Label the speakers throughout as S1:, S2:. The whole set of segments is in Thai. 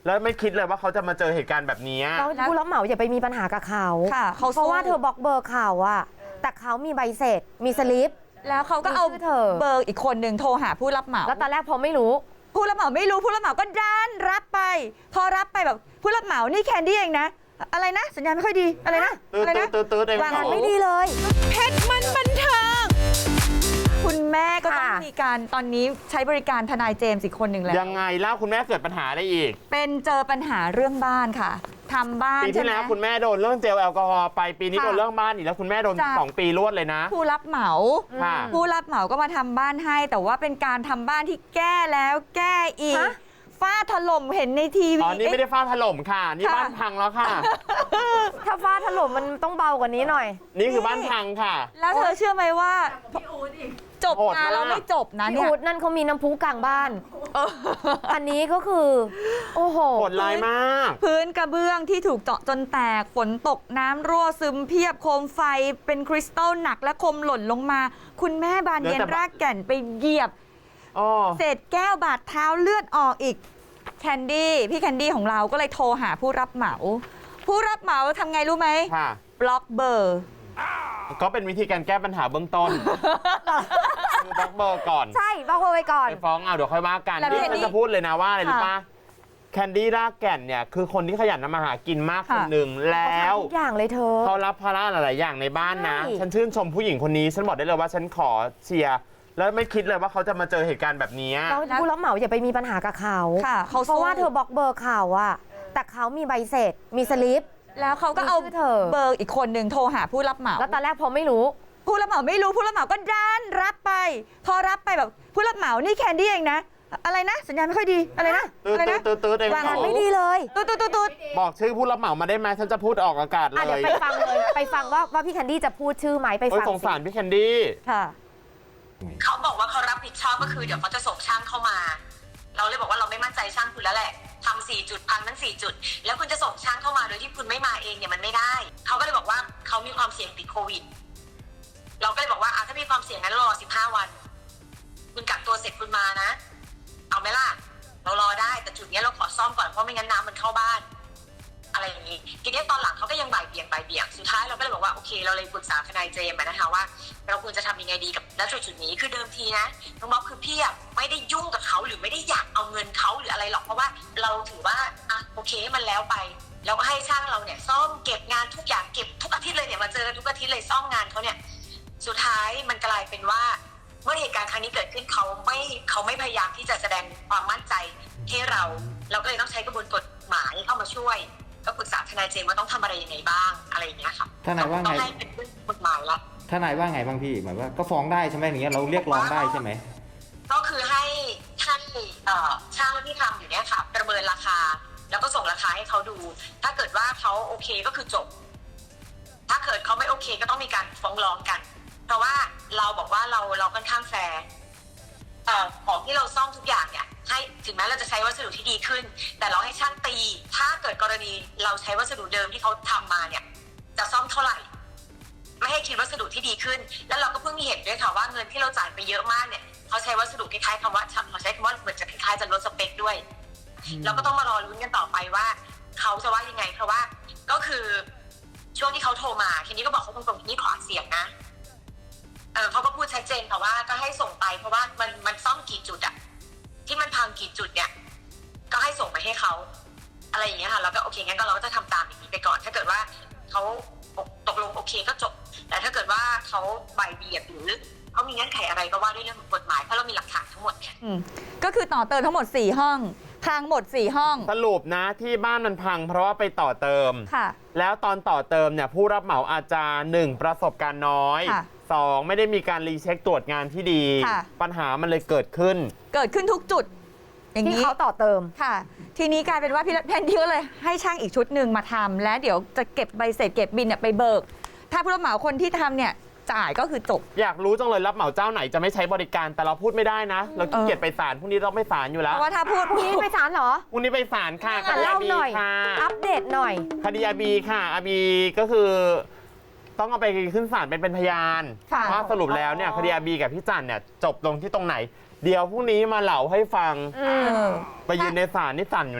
S1: แล้วไม่คิดเลยว่าเขาจะมาเจอเหตุการณ์แบบนี้
S2: แล้วผู้รับเหมาอย่าไปมีปัญหากับเขาเพราะว่าเธอบล็อกเบอร์เขาอะแต่เขามีใบเสร็จมีสลิป
S3: แล้วเขาก็เอาเบอร์อีกคนหนึ่งโทรหาผู้รับเหมา
S2: แล้วตอนแรกพอไม่รู้
S3: ผู้รับเหมาไม่รู้ผู้รับเหมาก็ดันรับไปพอรับไปแบบผู้รับเหมานี่แคนดี้เองนะอะไรนะสัญญาณไม่ค่อยดีอะไรนะ
S1: อะไรนะ
S2: วางไม่ดีเลย
S3: เพชรมันบันเทิงคุณแม่ก็ต้องมีการตอนนี้ใช้บริการทนายเจมส์อีกคนหนึ่งแล้ว
S1: ยังไงเล่าคุณแม่เกิดปัญหาได้อีก
S3: เป็นเจอปัญหาเรื่องบ้านค่ะทำบ้าน
S1: ปีที่แล้วคุณแม่โดนเรื่องเจลแอลกอฮอล์ไปปีนี้โดนเรื่องบ้านอีกแล้วคุณแม่โดน2 ปีรวดเลยนะ
S3: ผู้รับเหมาผู้รับเหมาก็มาทำบ้านให้แต่ว่าเป็นการทำบ้านที่แก้แล้วแก้อีกฝ้าถล่มเห็นในทีวี
S1: อ๋อนี่ไม่ได้ฝ้าถล่มค่ะนี่บ้านพังแล้วค่ะ
S2: ถ้าฝ้าถล่มมันต้องเบากว่านี้หน่อย
S1: นี่คือบ้านพังค่ะ
S3: แล้วเธอเชื่อไหมว่าจบงานแล้วไม่จบนะ
S2: เนี่ยอูดนั่นเขามีน้ำพุกลางบ้านอันนี้ก็คือโอ้โห
S1: โหดร้ายมาก
S3: พื้นกระเบื้องที่ถูกเจาะจนแตกฝนตกน้ำรั่วซึมเพียบโคมไฟเป็นคริสตัลหนักและคมหล่นลงมาคุณแม่บานเย็นรากแก่นไปเหยียบเศษแก้วบาดเท้าเลือดออกอีกแคนดี้พี่แคนดี้ของเราก็เลยโทรหาผู้รับเหมาผู้รับเหมาทำไงรู้ไหมบล็อกเบอร์
S1: ก็เป็นวิธีการแก้ปัญหาเบื้องต้นคือบล็อกเบอร์ก่อน
S2: ใช่บล็อกเบอร์ไว้ก่อน
S1: ไปฟ้องเอาเดี๋ยวค่อยว่ากันนี่ฉันจะพูดเลยนะว่าอะไรรู้ป่ะแคนดี้รากแก่นเนี่ยคือคนที่ขยันทำมาหากินมากคนหนึ่งแล้ว
S2: ทุกอย่างเลยเธอ
S1: เขารับภาระหลายอย่างในบ้านนะฉันชื่นชมผู้หญิงคนนี้ฉันบอกได้เลยว่าฉันขอเชียร์แล้วไม่คิดเลยว่าเขาจะมาเจอเหตุการณ์แบบนี้
S2: แล้วผู้รับเหมาอย่าไปมีปัญหากับเขาเพราะว่าเธอบล็อกเบอร์เขาอะแต่เขามีใบเสร็จมีสลิป
S3: แล้วเขาก็เอาเบอร์อีกคนหนึ่งโทรหาผู้รับเหมา
S2: แล้วตอนแรกพอไม่รู้
S3: ผู้รับเหมาไม่รู้ผู้รับเหมาก็ดันรับไปพอรับไปแบบผู้รับเหมานี่แคนดี้เองนะอะไรนะสัญญาณไม่ค่อยดีอะไรนะอะไรนะ
S2: วางไม่ดีเลย
S3: ตุ๊ด
S1: บอกชื่อผู้รับเหมามาได้ไหมฉันจะพูดออกอากาศเลย
S2: เดี๋ยวไปฟังเลยไปฟังว่าพี่แคนดี้จะพูดชื่อไหมไปฟัง
S1: สงสารพี่แคนดี้
S2: ค่ะ
S4: เขาบอกว่าเขารับผิดชอบก็คือเดี๋ยวเขาจะส่งช่างเข้ามาเราเลยบอกว่าเราไม่มั่นใจช่างคุณแล้วแหละทำ4 จุดพังทั้ง4 จุดแล้วคุณจะส่งช่างเข้ามาโดยที่คุณไม่มาเองเนี่ยมันไม่ได้เขาก็เลยบอกว่าเขามีความเสี่ยงติดโควิดเราก็เลยบอกว่าถ้ามีความเสี่ยงงั้นรอ15 วันคุณกักตัวเสร็จคุณมานะเอาไหมล่ะเรารอได้แต่จุดนี้เราขอซ่อมก่อนเพราะไม่งั้นน้ำมันเข้าบ้านอะไรอย่างนี้ทีนี้ตอนหลังเขาก็ยังบ่ายเบี่ยงสุดท้ายเราก็เลยบอกว่าโอเคเราเลยปรึกษาทนายเจมส์นะคะว่าเราควรจะทำยังไงดีกับณจุดนี้คือเดิมทีนะน้องบ๊อบคือพี่ไม่ได้ยุ่งกับเขาหรือไม่ได้อยากเอาเงินเขาหรืออะไรหรอกเพราะว่าเราถือว่าโอเคมันแล้วไปแล้วก็ให้ช่างเราเนี่ยซ่อมเก็บงานทุกอย่างเก็บทุกอาทิตย์เลยเนี่ยมาเจอกันทุกอาทิตย์เลยซ่อมงานเขาเนี่ยสุดท้ายมันกลายเป็นว่าเมื่อเหตุการณ์ครั้งนี้เกิดขึ้นเขาไม่พยายามที่จะแสดงความมั่นใจให้เราก็เลยต้องใช้กระบวนกฎหมายเข้ามาช่วยก็ปรึกษาทนายเจมส์ว่าต้องทำอะไรยังไงบ้างอะไรอย่างเงี้ยค่ะ
S5: ทนายว่าไง
S4: ต้องให้เป็นเรื่องกฎหมายละ
S5: ทนายว่าไงบ้างพี่หมายว่าก็ฟ้องได้ใช่ไหมอย่างเงี้ยเราเรียกร้องได้ใช่ไหม
S4: ก็คือให้ท่านช่างที่ทำอยู่เนี้ยค่ะประเมินราคาแล้วก็ส่งราคาให้เขาดูถ้าเกิดว่าเขาโอเคก็คือจบถ้าเกิดเขาไม่โอเคก็ต้องมีการฟ้องร้องกันเพราะว่าเราบอกว่าเราค่อนข้างแฟร์ของที่เราซ่อมทุกอย่างเนี่ยให้ถึงแม้เราจะใช้วัสดุที่ดีขึ้นแต่เราให้ช่างตีถ้าเกิดกรณีเราใช้วัสดุเดิมที่เขาทำมาเนี่ยจะซ่อมเท่าไหร่ไม่ให้คิดวัสดุที่ดีขึ้นแล้วเราก็เพิ่งมีเห็นด้วยค่ะว่าเงินที่เราจ่ายไปเยอะมากเนี่ยเขาใช้วัสดุคล้ายๆคำว่าเราใช้คำว่าเหมือนจะคล้ายๆจะลดสเปคด้วยเราก็ต้องมารอลุ้นกันต่อไปว่าเขาจะว่ายังไงเพราะว่าก็คือช่วงที่เขาโทรมาทีนี้ก็บอกเขาตรงๆทีนี้ขออัดเสียงนะเขาก็พูดชัดเจนค่ะว่าก็ให้ส่งไปเพราะว่ามันซ่อมกี่จุดอะที่มันพังกี่จุดเนี่ยก็ให้ส่งไปให้เขาอะไรอย่างเงี้ยค่ะแล้วก็โอเคงั้นก็เราก็จะทำตามอย่างนี้ไปก่อนถ้าเกิดว่าเขาตกลงโอเคก็จบแต่ถ้าเกิดว่าเขาบ่ายเบี่ยงหรือเขามีเงื่อนไขอะไรก็ว่าด้วยเรื่องของกฎหมายเพราะเรามีหลักฐานทั้งหมดค่ะ
S3: ก็คือต่อเติมทั้งหมด4 ห้องพังหมด4 ห้อง
S1: สรุปนะที่บ้านมันพังเพราะว่าไปต่อเติมแล้วตอนต่อเติมเนี่ยผู้รับเหมาอาจจะ1ประสบการณ์น้อย2ไม่ได้มีการรีเช็คตรวจงานที่ดีปัญหามันเลยเกิดขึ้น
S3: ทุกจุดอย่างนี้
S2: ที่เขาต่อเติม
S3: ค่ะทีนี้กลายเป็นว่าพี่แพนดี้ก็เลยให้ช่างอีกชุดหนึ่งมาทำและเดี๋ยวจะเก็บใบเสร็จเก็บบินเนี่ยไปเบิกถ้าผู้รับเหมาคนที่ทำเนี่ยจ่ายก็คือจบ
S1: อยากรู้จังเลยรับเหมาเจ้าไหนจะไม่ใช้บริการแต่เราพูดไม่ได้นะเราขี้เกียจไปศาลพรุ่งนี้เราไปศาลอยู่แล้ว
S3: เพราะว่าถ้าพูด
S2: พรุ่งนี้ไปศาลเหรอ
S1: พรุ่งนี้ไปศาลค่ะ
S2: คดีอาบีค่ะอัปเดตหน่อย
S1: คดีอาบีค่ะอาบีก็คือต้องเอาไปขึ้นศาลเป็นพยานว่าสรุปแล้วเนี่ยคดีอาบีกับพี่จันเนี่ยจบลงที่ตรงไหนเดี๋ยวพรุ่งนี้มาเล่าให้ฟังไปยืนในศาลนี่สั่นอยู่นะ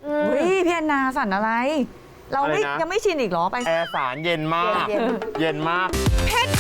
S3: อุ้ยพี่แอนนาสั่นอะไร เราไม่
S1: อะไรนะ
S3: ยังไม่ชินอีกเหรอไป
S1: แอร์สารเย็นมาก
S2: เย็น
S1: เย็นมาก
S3: เพชร